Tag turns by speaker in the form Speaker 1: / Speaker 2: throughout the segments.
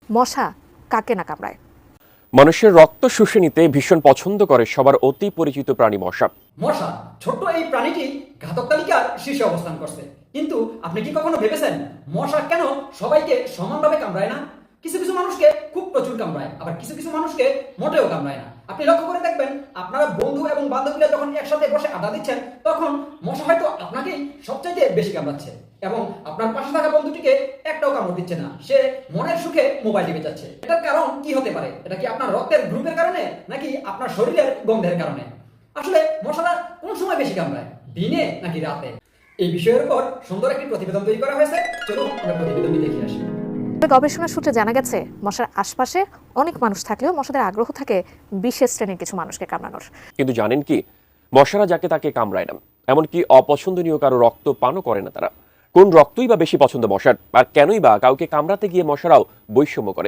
Speaker 1: মশা কাকে না কামড়ায়?
Speaker 2: মানুষের রক্ত শুষে নিতে ভীষণ পছন্দ করে সবার অতি পরিচিত প্রাণী মশা।
Speaker 3: মশা ছোট্ট এই প্রাণীটি ঘাতক তালিকার শীর্ষে অবস্থান করছে। কিন্তু আপনি কি কখনো ভেবেছেন মশা কেন সবাইকে সমানভাবে কামড়ায় না? কিছু কিছু মানুষকে খুব প্রচুর কামড়ায়, আবার কিছু কিছু মানুষকে মোটেও কামড়ায় না। আপনি লক্ষ্য করে দেখবেন, আপনারা বন্ধু এবং বান্ধবীরা যখন একসাথে বসে আড্ডা দিচ্ছেন, তখন মশা হয়তো আপনাকেই সবচাইতে বেশি কামড়াচ্ছে এবং আপনার পাশে থাকা বন্ধুটিকে একটাও কামড় দিচ্ছে না। সে মনের সুখে মোবাইল টিপে যাচ্ছে। এটার কারণ কি হতে পারে? এটা কি আপনার রক্তের গ্রুপের কারণে, নাকি আপনার শরীরের গন্ধের কারণে? আসলে মশারা কোন সময় বেশি কামড়ায়, দিনে নাকি রাতে? এই বিষয়ের উপর সুন্দর একটি প্রতিবেদন তৈরি করা হয়েছে। চলুন আমরা প্রতিবেদনটি দেখে আসি।
Speaker 1: গবেষণা সূত্রে জানা গেছে, মশার আশপাশে অনেক মানুষ থাকলেও মশাদের আগ্রহ থাকে বিশেষ শ্রেণীর কিছু মানুষকে কামড়ানোর।
Speaker 2: কিন্তু জানেন কি, মশারা যাকে তাকে কামড়ায় না, এমনকি অপছন্দনীয় কারো রক্ত পানও করে না তারা। কোন রক্তই বা বেশি পছন্দ মশার, আর কেনই বা কাউকে কামড়াতে গিয়ে মশারাও বৈষম্য করে?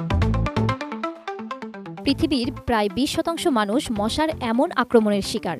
Speaker 4: পৃথিবীর প্রায় 20% মানুষ মশার এমন আক্রমণের শিকার।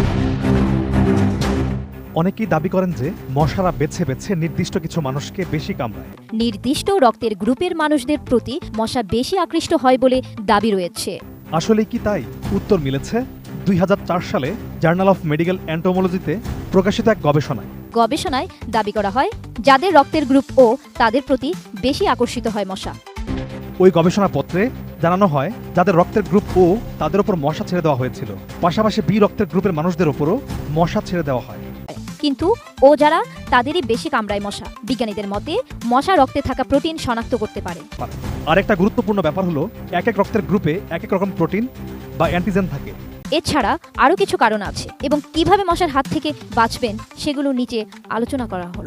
Speaker 5: অনেকেই দাবি করেন যে মশারা বেছে বেছে নির্দিষ্ট কিছু মানুষকে বেশি কামড়ায়।
Speaker 4: নির্দিষ্ট রক্তের গ্রুপের মানুষদের প্রতি মশা বেশি আকৃষ্ট হয় বলে দাবি রয়েছে।
Speaker 5: আসলে কি তাই? উত্তর মিলেছে 2004 সালে জার্নাল অফ মেডিকেল এন্টোমোলজিতে প্রকাশিত এক
Speaker 4: গবেষণায় দাবি করা হয়, যাদের রক্তের গ্রুপ ও তাদের প্রতি বেশি আকর্ষিত হয় মশা।
Speaker 5: ওই গবেষণাপত্রে জানানো হয়, যাদের রক্তের গ্রুপ ও তাদের উপর মশা ছেড়ে দেওয়া হয়েছিল, পাশাপাশি বি রক্তের গ্রুপের মানুষদের উপরও মশা ছেড়ে দেওয়া হয়।
Speaker 4: কিন্তু ও যারা, তাদেরই বেশি কামড়ায় মশা। বিজ্ঞানীদের মতে মশা রক্তে থাকা প্রোটিন শনাক্ত করতে পারে।
Speaker 5: আরেকটা গুরুত্বপূর্ণ ব্যাপার হলো, এক এক রক্তের গ্রুপে এক এক রকম প্রোটিন বা অ্যান্টিজেন থাকে।
Speaker 4: এছাড়া আরও কিছু কারণ আছে এবং কিভাবে মশার হাত থেকে বাঁচবেন সেগুলো নিচে আলোচনা করা হলো।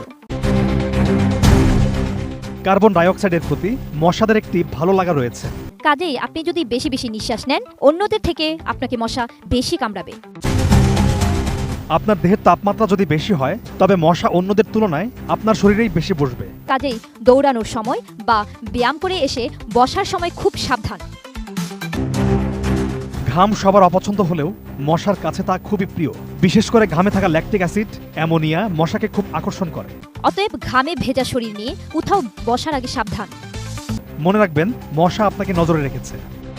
Speaker 5: কার্বন ডাইঅক্সাইডের প্রতি মশাদের একটি ভালো লাগা রয়েছে।
Speaker 4: কাজেই আপনি যদি বেশি বেশি নিঃশ্বাস নেন, অন্যদের থেকে আপনাকে মশা বেশি কামড়াবে।
Speaker 5: আপনার দেহের তাপমাত্রা যদি বেশি হয়, তবে মশা অন্যদের তুলনায় আপনার শরীরেই বেশি বসবে।
Speaker 4: কাজেই দৌড়ানোর সময় বা ব্যায়াম করে এসে বসার সময় খুব সাবধান।
Speaker 5: ঘাম সবার অপছন্দ হলেও মশার কাছে তা খুবই প্রিয়। বিশেষ করে ঘামে থাকা ল্যাকটিক অ্যাসিড, অ্যামোনিয়া মশাকে খুব আকর্ষণ করে।
Speaker 4: অতএব ঘামে ভেজা শরীর নিয়ে কোথাও বসার আগে সাবধান।
Speaker 5: মনে রাখবেন, মশা আপনাকে নজরে রেখেছে।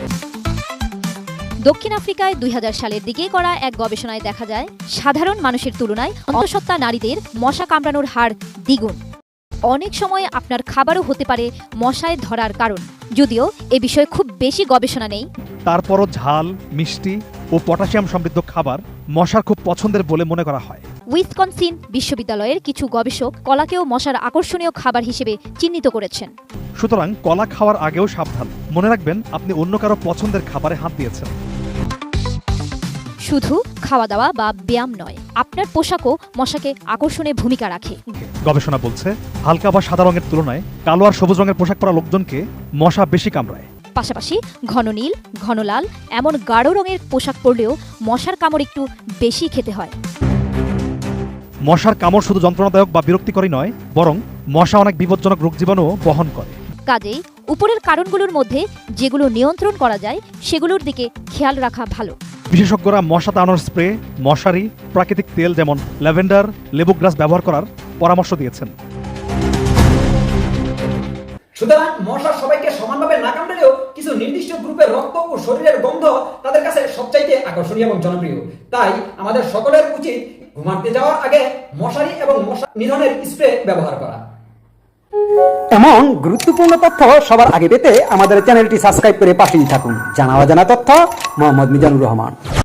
Speaker 4: দক্ষিণ আফ্রিকায় 2000 সালের দিকে করা এক গবেষণায় দেখা যায়, সাধারণ মানুষের তুলনায় অন্তঃসত্ত্বা নারীদের মশা কামড়ানোর হার দ্বিগুণ। অনেক সময় আপনার খাবারও হতে পারে মশায় ধরার কারণ। যদিও এ বিষয়ে খুব বেশি গবেষণা নেই,
Speaker 5: তারপরও ঝাল, মিষ্টি ও পটাশিয়াম সমৃদ্ধ খাবার মশার খুব পছন্দের বলে মনে করা হয়।
Speaker 4: উইসকনসিন বিশ্ববিদ্যালয়ের কিছু গবেষক কলাকেও মশার আকর্ষণীয় খাবার হিসেবে চিহ্নিত করেছেন।
Speaker 5: সুতরাং কলা খাওয়ার আগেও সাবধান। মনে রাখবেন, আপনি অন্য কারো পছন্দের খাবারে হাত দিয়েছেন।
Speaker 4: শুধু খাওয়া দাওয়া বা ব্যায়াম নয়, আপনার পোশাকও মশাকে আকর্ষণে ভূমিকা রাখে।
Speaker 5: গবেষণা বলছে, হালকা বা সাদা রঙের তুলনায় কালো আর সবুজ রঙের পোশাক পরা লোকজনকে মশা বেশি কামড়ায়।
Speaker 4: পাশাপাশি ঘন নীল, ঘন লাল এমন গাঢ় রঙের পোশাক পরলেও মশার কামড় একটু বেশি খেতে হয়।
Speaker 5: মশার কামড় শুধু যন্ত্রণাদায়ক বা বিরক্তিকরই নয়, বরং মশা অনেক বিপজ্জনক রোগ জীবাণুও বহন করে।
Speaker 4: কাজেই উপরের কারণগুলোর মধ্যে যেগুলো নিয়ন্ত্রণ করা যায় সেগুলোর দিকে খেয়াল রাখা ভালো।
Speaker 5: বিশেষজ্ঞরা মশা তাড়ানোর স্প্রে, মশারি, প্রাকৃতিক তেল যেমন ল্যাভেন্ডার, লেবু গ্রাস ব্যবহার করার পরামর্শ দিয়েছেন।
Speaker 3: সুতরাং মশা সবাইকে সমানভাবে না কামড়ালেও কিছু নির্দিষ্ট গ্রুপের রক্ত ও শরীরের গন্ধ তাদের কাছে সবচাইতে আকর্ষণীয় এবং জনপ্রিয়। তাই আমাদের সকলের উচিত ঘুমাতে যাওয়ার আগে মশারি এবং মশা নিধনের স্প্রে ব্যবহার করা।
Speaker 6: এমন গুরুত্বপূর্ণ তথ্য সবার আগে পেতে আমাদের চ্যানেলটি সাবস্ক্রাইব করে পাশেই থাকুন। জানা অজানা তথ্য, মোহাম্মদ মিজানুর রহমান।